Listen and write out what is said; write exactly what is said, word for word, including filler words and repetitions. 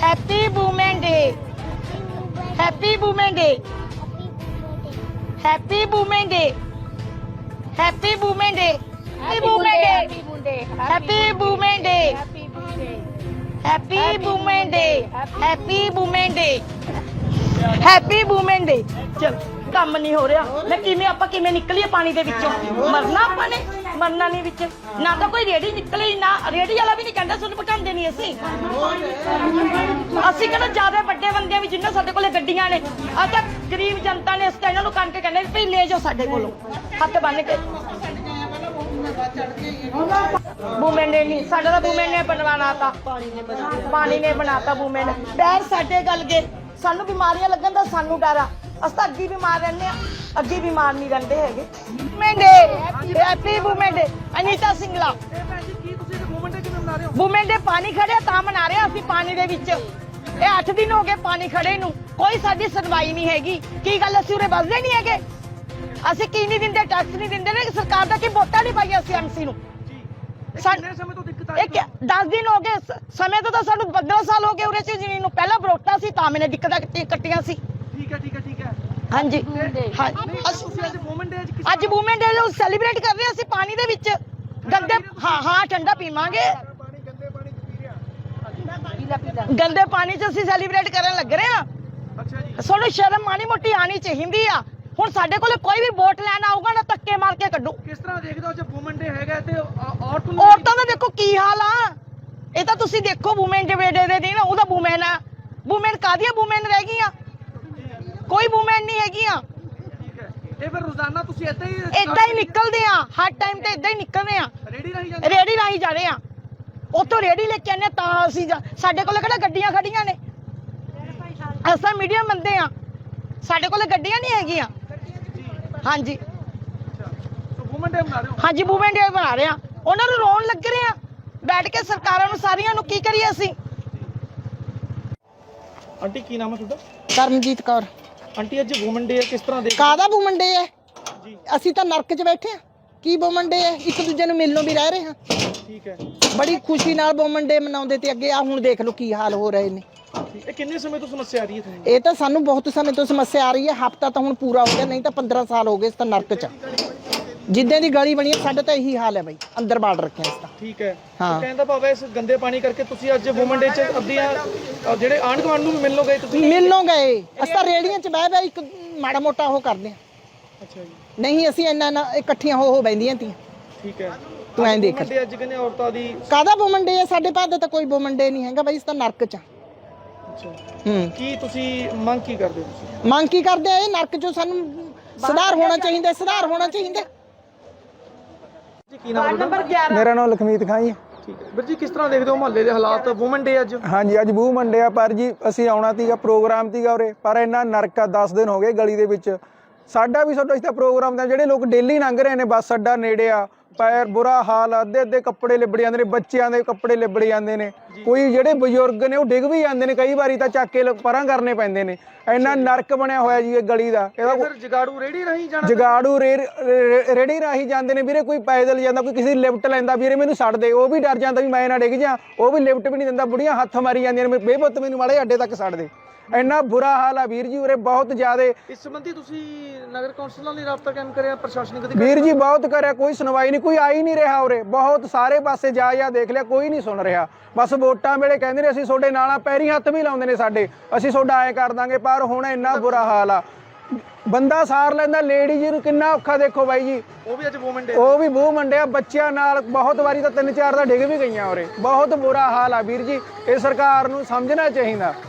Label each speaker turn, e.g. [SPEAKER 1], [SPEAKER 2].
[SPEAKER 1] Happy women day, happy women day, happy women day, happy women day, happy women day, happy women day, happy women day, happy women day, happy women day. चल ਕੰਮ ਨਹੀਂ ਹੋ ਰਿਹਾ, ਮੈਂ ਕਿਵੇਂ ਆਪਾਂ ਕਿਵੇਂ ਨਿਕਲੀਏ ਪਾਣੀ ਦੇ ਵਿੱਚੋਂ? ਮਰਨਾ ਆਪਾਂ ਨੇ, ਮਰਨਾ ਨਹੀਂ ਵਿੱਚ। ਨਾ ਤਾਂ ਕੋਈ ਰੇੜੀ ਨਿਕਲੀ, ਨਾ ਰੇੜੀ ਵਾਲਾ ਵੀ ਨਹੀਂ ਕਹਿੰਦਾ ਸਾਨੂੰ ਪਕਾਉਂਦੇ ਨਹੀਂ। ਅਸੀਂ ਅਸੀਂ ਕਹਿੰਦੇ ਜ਼ਿਆਦਾ ਵੱਡੇ ਬੰਦੇ ਵੀ ਜਿੰਨਾ ਸਾਡੇ ਕੋਲੇ ਗੱਡੀਆਂ ਨੇ, ਆ ਤਾਂ ਗਰੀਬ ਜਨਤਾ ਨੇ। ਅਸੀਂ ਇਹਨਾਂ ਨੂੰ ਕੰਨ ਕੇ ਕਹਿੰਦੇ ਵੀ ਲੈ ਜਾਓ ਸਾਡੇ ਕੋਲੋਂ ਹੱਥ ਬੰਨ ਕੇ। ਵੂਮੈਨ ਨੇ ਨਹੀਂ, ਸਾਡਾ ਤਾਂ ਵੂਮੈਨ ਨੇ ਬਣਵਾਣਾ ਤਾਂ ਪਾਣੀ ਨੇ ਬਣਾਤਾ ਵੂਮੈਨ। ਪੈਰ ਸਾਡੇ ਗਲ ਗਏ, ਸਾਨੂੰ ਬਿਮਾਰੀਆਂ ਲੱਗਣ ਦਾ ਸਾਨੂੰ ਡਰ ਆ। ਅਸੀਂ ਤਾਂ ਅੱਗੇ ਬਿਮਾਰ ਰਹਿੰਦੇ ਆ, ਅੱਗੇ ਬਿਮਾਰ ਨਹੀਂ ਰਹਿੰਦੇ ਹੈਗੇ। Women day, happy women day. Anita Singla women day ਪਾਣੀ ਖੜਿਆ ਤਾਂ ਮਨਾ ਰਹੇ ਅਸੀਂ ਪਾਣੀ ਦੇ ਵਿੱਚ। ਇਹ ਅੱਠ ਦਿਨ ਹੋ ਗਏ ਪਾਣੀ ਖੜੇ ਨੂੰ, ਕੋਈ ਸਾਡੀ ਸੁਣਵਾਈ ਨਹੀਂ ਹੈਗੀ। ਕੀ ਗੱਲ ਅਸੀਂ ਉਰੇ ਵੱਸਦੇ ਨਹੀਂ ਹੈਗੇ? ਅਸੀਂ ਕੀ ਨਹੀਂ ਦਿੰਦੇ, ਟੈਕਸ ਨਹੀਂ ਦਿੰਦੇ ਨੇ ਸਰਕਾਰ ਦਾ, ਕੀ ਵੋਟਾਂ ਨਹੀਂ ਪਾਈਆਂ ਅਸੀਂ ਐਮਸੀ ਨੂੰ। ਦਸ ਦਿਨ ਹੋ ਗਏ ਸਮੇਂ ਤੋਂ, ਤਾਂ ਸਾਨੂੰ ਪੰਦਰਾਂ ਸਾਲ ਹੋ ਗਏ ਉਰੇ ਚ ਜ਼ਮੀਨ ਨੂੰ। ਪਹਿਲਾਂ ਵੋਟਾਂ ਸੀ ਤਾਂ ਮੈਨੇ ਦਿੱਕਤਾਂ ਕੱਟੀਆਂ ਸੀ।
[SPEAKER 2] ਠੀਕ ਹੈ ਠੀਕ ਹੈ ਠੀਕ ਹੈ
[SPEAKER 1] ਹਾਂਜੀ ਅੱਜ ਵੂਮੈਨ ਡੇ ਨੂੰ ਸੈਲੀਬ੍ਰੇਟ ਕਰ ਰਹੇ ਹਾਂ ਅਸੀਂ ਪਾਣੀ ਦੇ ਵਿੱਚ। ਗੰਦੇ ਹਾਂ ਹਾਂ ਠੰਡਾ ਪੀਵਾਂਗੇ, ਗੰਦੇ ਪਾਣੀ ਚ ਅਸੀਂ ਸੈਲੀਬ੍ਰੇਟ ਕਰਨ ਲੱਗ ਰਹੇ ਹਾਂ। ਸਾਨੂੰ ਸ਼ਰਮ ਮਾੜੀ ਮੋਟੀ ਆਣੀ ਚਾਹੀਦੀ ਆ। ਹੁਣ ਸਾਡੇ ਕੋਲ ਕੋਈ ਵੀ ਵੋਟ ਲੈਣ ਆਊਗਾ ਨਾ ਧੱਕੇ ਮਾਰ ਕੇ ਕੱਢੂ।
[SPEAKER 2] ਕਿਸ ਤਰ੍ਹਾਂ ਦੇਖਦੇ ਹੋ ਜੇ ਵੂਮਨ ਡੇ ਹੈਗਾ ਤੇ
[SPEAKER 1] ਔਰਤਾਂ ਦਾ ਦੇਖੋ ਕੀ ਹਾਲ ਆ। ਇਹ ਤਾਂ ਤੁਸੀਂ ਦੇਖੋ ਵੂਮੈਨ ਡੇ ਦੇ ਦਿਨ ਉਹਦਾ ਵੂਮੈਨ ਆ। ਵੂਮੈਨ ਕਾਹਦੀਆਂ ਵੂਮੈਨ ਰਹਿ ਗਈਆਂ? ਕੋਈ ਵੂਮੈਨ ਨਹੀਂ ਹੈਗੀਆਂ।
[SPEAKER 2] ਇਹ ਫਿਰ ਰੋਜ਼ਾਨਾ ਤੁਸੀਂ ਏਦਾਂ ਹੀ
[SPEAKER 1] ਏਦਾਂ ਹੀ ਨਿਕਲਦੇ ਆ, ਹਰ ਟਾਈਮ ਤੇ ਏਦਾਂ ਹੀ ਨਿਕਲਦੇ ਆ।
[SPEAKER 2] ਰੇੜੀ ਰਾਹੀਂ ਜਾਂਦੇ
[SPEAKER 1] ਰੇੜੀ ਰਾਹੀਂ ਜਾ ਰਹੇ ਆ, ਉੱਥੋਂ ਰੇੜੀ ਲੈ ਕੇ ਆਨੇ ਤਾਂ ਅਸੀਂ ਸਾਡੇ ਕੋਲ ਕਿਹੜਾ ਗੱਡੀਆਂ ਖੜੀਆਂ ਨੇ? ਅਸਾਂ ਮੀਡੀਅਮ ਬੰਦੇ ਆ, ਸਾਡੇ ਕੋਲ ਗੱਡੀਆਂ ਨਹੀਂ ਹੈਗੀਆਂ। ਹਾਂਜੀ
[SPEAKER 2] ਵੂਮਨ ਡੇ ਬਣਾ ਰਹੇ ਹੋ? ਹਾਂਜੀ
[SPEAKER 1] ਵੂਮਨ ਡੇ ਬਣਾ ਰਹੇ ਆ। ਉਹਨਾਂ ਨੂੰ ਰੋਣ ਲੱਗ ਰਹੇ ਆ ਬੈਠ ਕੇ ਸਰਕਾਰਾਂ ਨੂੰ, ਸਾਰੀਆਂ ਨੂੰ। ਕੀ ਕਰੀਏ ਅਸੀਂ?
[SPEAKER 2] ਆਂਟੀ ਕੀ ਨਾਮ ਹੈ ਤੁਹਾਡਾ?
[SPEAKER 3] ਕਰਮਜੀਤ ਕੌਰ।
[SPEAKER 2] ਆਂਟੀ ਅੱਜ ਵੂਮਨ ਡੇ ਕਿਸ ਤਰ੍ਹਾਂ ਦੇ?
[SPEAKER 3] ਕਾਹਦਾ ਵੂਮਨ ਡੇ ਹੈ? ਅਸੀਂ ਤਾਂ ਨਰਕ 'ਚ ਬੈਠੇ ਆ। ਕੀ ਵੂਮਨ ਡੇ ਹੈ? ਇੱਕ ਦੂਜੇ ਨੂੰ ਮਿਲਣੋਂ ਵੀ ਰਹਿ ਰਹੇ ਹਾਂ।
[SPEAKER 2] ਠੀਕ ਹੈ,
[SPEAKER 3] ਬੜੀ ਖੁਸ਼ੀ ਨਾਲ ਵੂਮਨ ਡੇ ਮਨਾਉਂਦੇ ਤੇ ਅੱਗੇ ਆ ਹੁਣ ਦੇਖ ਲਓ ਕੀ ਹਾਲ ਹੋ ਰਹੇ ਨੇ।
[SPEAKER 2] ਇਹ ਕਿੰਨੇ ਸਮੇਂ ਤੋਂ ਸਮੱਸਿਆ ਆ ਰਹੀ ਹੈ ਤੁਹਾਨੂੰ?
[SPEAKER 3] ਇਹ ਤਾਂ ਸਾਨੂੰ ਬਹੁਤ ਸਮੇਂ ਤੋਂ ਸਮੱਸਿਆ ਆ ਰਹੀ ਹੈ। ਹਫਤਾ ਤਾਂ ਹੁਣ ਪੂਰਾ ਹੋ ਗਿਆ, ਨਹੀਂ ਤਾਂ ਪੰਦਰਾਂ ਸਾਲ ਹੋ ਗਏ ਇਸ ਤਾਂ ਨਰਕ 'ਚ। ਜਿੱਦਾਂ ਦੀ ਗਲੀ ਬਣੀ ਹੈ ਸਾਡੇ ਤਾਂ ਇਹੀ ਹਾਲ ਹੈ ਬਾਈ, ਅੰਦਰ ਬਾੜ ਰੱਖਿਆ ਇਸ ਤਾਂ।
[SPEAKER 2] ਠੀਕ ਹੈ,
[SPEAKER 3] ਹਾਂ।
[SPEAKER 2] ਕਹਿੰਦਾ ਭਾਵੇਂ ਇਸ ਗੰਦੇ ਪਾਣੀ ਕਰਕੇ ਤੁਸੀਂ ਅੱਜ ਵੂਮਨ ਡੇ 'ਚ ਅੱਧੀਆਂ ਜਿਹੜੇ ਆਂਢ ਗੁਆਂਢ ਨੂੰ ਵੀ ਮਿਲ ਲੋ ਗਏ ਤੁਸੀਂ?
[SPEAKER 3] ਮਿਲਣੋਂ ਗਏ ਅਸੀਂ ਤਾਂ ਰੇੜੀਆਂ 'ਚ ਬਹਿ ਬਹਿ ਇੱਕ ਮਾੜਾ ਮੋਟਾ ਉਹ ਕਰਦੇ ਹਾਂ।
[SPEAKER 2] ਅੱਛਾ ਜੀ।
[SPEAKER 3] ਨਹੀਂ ਅਸੀਂ ਇੰਨਾ ਨਾ ਇਕੱਠੀਆਂ ਹੋ ਹੋ ਬੈਂਦੀਆਂ ਤੀਆਂ।
[SPEAKER 2] ਠੀਕ ਹੈ,
[SPEAKER 3] ਤੂੰ ਐਂ ਦੇਖ
[SPEAKER 2] ਅੱਜ ਕਹਿੰਦੇ ਔਰਤਾਂ ਦੀ
[SPEAKER 3] ਕਾਹਦਾ ਵੂਮਨ ਡੇ ਹੈ? ਸਾਡੇ ਪਾਸ ਤਾਂ ਕੋਈ ਵੂਮਨ ਡੇ ਨਹੀਂ ਹੈਗਾ ਬਾਈ, ਇਸ ਤਾਂ ਨਰਕ 'ਚ।
[SPEAKER 2] ਅੱਛਾ,
[SPEAKER 3] ਹੂੰ।
[SPEAKER 2] ਕੀ ਤੁਸੀਂ ਮੰਗ ਕੀ ਕਰਦੇ ਹੋ? ਤੁਸੀਂ
[SPEAKER 3] ਮੰਗ ਕੀ ਕਰਦੇ ਆ? ਇਹ ਨਰਕ 'ਚੋਂ ਸਾਨੂੰ ਸੁਧਾਰ ਹੋਣਾ ਚਾਹੀਦਾ, ਸੁਧਾਰ ਹੋਣਾ ਚਾਹੀਦਾ।
[SPEAKER 2] ਜੀ ਕੀ ਨਾਮ ਹੈ ਤੁਹਾਡਾ?
[SPEAKER 4] ਮੇਰਾ ਨਾਮ ਲਖਮੀਤ ਖਾਂ ਜੀ।
[SPEAKER 2] ਠੀਕ ਹੈ ਵੀਰ ਜੀ, ਕਿਸ ਤਰ੍ਹਾਂ ਦੇਖਦੇ ਹੋ ਮੁਹੱਲੇ ਦੇ ਹਾਲਾਤ? ਵੂਮਨ ਡੇ ਅੱਜ?
[SPEAKER 4] ਹਾਂਜੀ ਅੱਜ ਵੂਮਨ ਡੇ ਆ, ਪਰ ਜੀ ਅਸੀਂ ਆਉਣਾ ਸੀਗਾ, ਪ੍ਰੋਗਰਾਮ ਸੀਗਾ ਉਰੇ, ਪਰ ਇੰਨਾ ਨਰਕ ਆ। ਦਸ ਦਿਨ ਹੋ ਗਏ ਗਲੀ ਦੇ ਵਿੱਚ। ਸਾਡਾ ਵੀ ਸਾਡਾ ਇਸ ਦਾ ਪ੍ਰੋਗਰਾਮ ਦਾ ਜਿਹੜੇ ਲੋਕ ਡੇਲੀ ਲੰਘ ਰਹੇ ਨੇ, ਬੱਸ ਅੱਡਾ ਨੇੜੇ ਆ, ਪੈਰ ਬੁਰਾ ਹਾਲ ਆ। ਅੱਧੇ ਅੱਧੇ ਕੱਪੜੇ ਲਿਬੜ ਜਾਂਦੇ ਨੇ, ਬੱਚਿਆਂ ਦੇ ਕੱਪੜੇ ਲਿਬੜ ਜਾਂਦੇ ਨੇ। ਕੋਈ ਜਿਹੜੇ ਬਜ਼ੁਰਗ ਨੇ ਉਹ ਡਿੱਗ ਵੀ ਜਾਂਦੇ ਨੇ, ਕਈ ਵਾਰੀ ਤਾਂ ਚੱਕ ਕੇ ਪਰਾਂ ਕਰਨੇ ਪੈਂਦੇ ਨੇ। ਇੰਨਾ ਨਰਕ ਬਣਿਆ ਹੋਇਆ ਜੀ ਇਹ ਗਲੀ ਦਾ। ਇਹਦਾ
[SPEAKER 2] ਫਿਰ ਜਗਾੜੂ ਰੇੜੀ ਰਾਹੀਂ ਜਾਣਾ?
[SPEAKER 4] ਜਗਾੜੂ ਰੇੜੀ ਰਾਹੀਂ ਜਾਂਦੇ ਨੇ ਵੀਰੇ। ਕੋਈ ਪੈਦਲ ਜਾਂਦਾ, ਕੋਈ ਕਿਸੇ ਲਿਫਟ ਲੈਂਦਾ ਵੀਰੇ ਮੈਨੂੰ ਛੱਡ ਦੇ, ਉਹ ਵੀ ਡਰ ਜਾਂਦਾ ਵੀ ਮੈਂ ਨਾ ਡਿੱਗ ਜਾ, ਉਹ ਵੀ ਲਿਫਟ ਵੀ ਨਹੀਂ ਦਿੰਦਾ। ਬੁੜੀਆਂ ਹੱਥ ਮਾਰੀ ਜਾਂਦੀਆਂ ਨੇ, ਬੇਪੁੱਤ ਮੈਨੂੰ ਮਾੜੇ ਅੱਡੇ ਤੱਕ ਛੱਡ ਦੇ। ਇੰਨਾ ਬੁਰਾ ਹਾਲ ਆ ਵੀਰ ਜੀ ਉਰੇ, ਬਹੁਤ ਜ਼ਿਆਦਾ।
[SPEAKER 2] ਇਸ ਸੰਬੰਧੀ ਤੁਸੀਂ ਨਗਰ ਕੌਂਸਲ ਨਾਲ ਰਾਬਤਾ ਕਾਇਮ ਕਰਿਆ? ਪ੍ਰਸ਼ਾਸਨਿਕ ਅਧਿਕਾਰੀ
[SPEAKER 4] ਵੀਰ ਜੀ ਬਹੁਤ ਕਰਿਆ, ਕੋਈ ਸੁਣਵਾਈ ਨਹੀਂ, ਕੋਈ ਆ ਹੀ ਨਹੀਂ ਰਿਹਾ ਉਰੇ। ਬਹੁਤ ਸਾਰੇ ਪਾਸੇ ਜਾ ਜਾ ਦੇਖ ਲਿਆ, ਕੋਈ ਨਹੀਂ ਸੁਣ ਰਿਹਾ। ਬਸ ਵੋਟਾਂ ਵੇਲੇ ਕਹਿੰਦੇ ਨੇ ਅਸੀਂ ਤੁਹਾਡੇ ਨਾਲ ਆ, ਪੈਰੀ ਹੱਥ ਵੀ ਲਾਉਂਦੇ ਨੇ ਸਾਡੇ, ਅਸੀਂ ਤੁਹਾਡਾ ਐਂ ਕਰ ਦਾਂਗੇ। ਪਰ ਹੁਣ ਇੰਨਾ ਬੁਰਾ ਹਾਲ ਆ, ਬੰਦਾ ਸਾਰ ਲੈਂਦਾ, ਲੇਡੀ ਜੀ ਨੂੰ ਕਿੰਨਾ ਔਖਾ ਦੇਖੋ ਬਾਈ ਜੀ।
[SPEAKER 2] ਉਹ ਵੀ ਅੱਜ ਵੂਮਨ ਡੇ?
[SPEAKER 4] ਉਹ ਵੀ ਵੂਮਨ ਡੇ ਆ, ਬੱਚਿਆਂ ਨਾਲ। ਬਹੁਤ ਵਾਰੀ ਤਾਂ ਤਿੰਨ ਚਾਰ ਦਾ ਡਿੱਗ ਵੀ ਗਈਆਂ ਉਰੇ। ਬਹੁਤ ਬੁਰਾ ਹਾਲ ਆ ਵੀਰ ਜੀ, ਇਹ ਸਰਕਾਰ ਨੂੰ ਸਮਝਣਾ ਚਾਹੀਦਾ।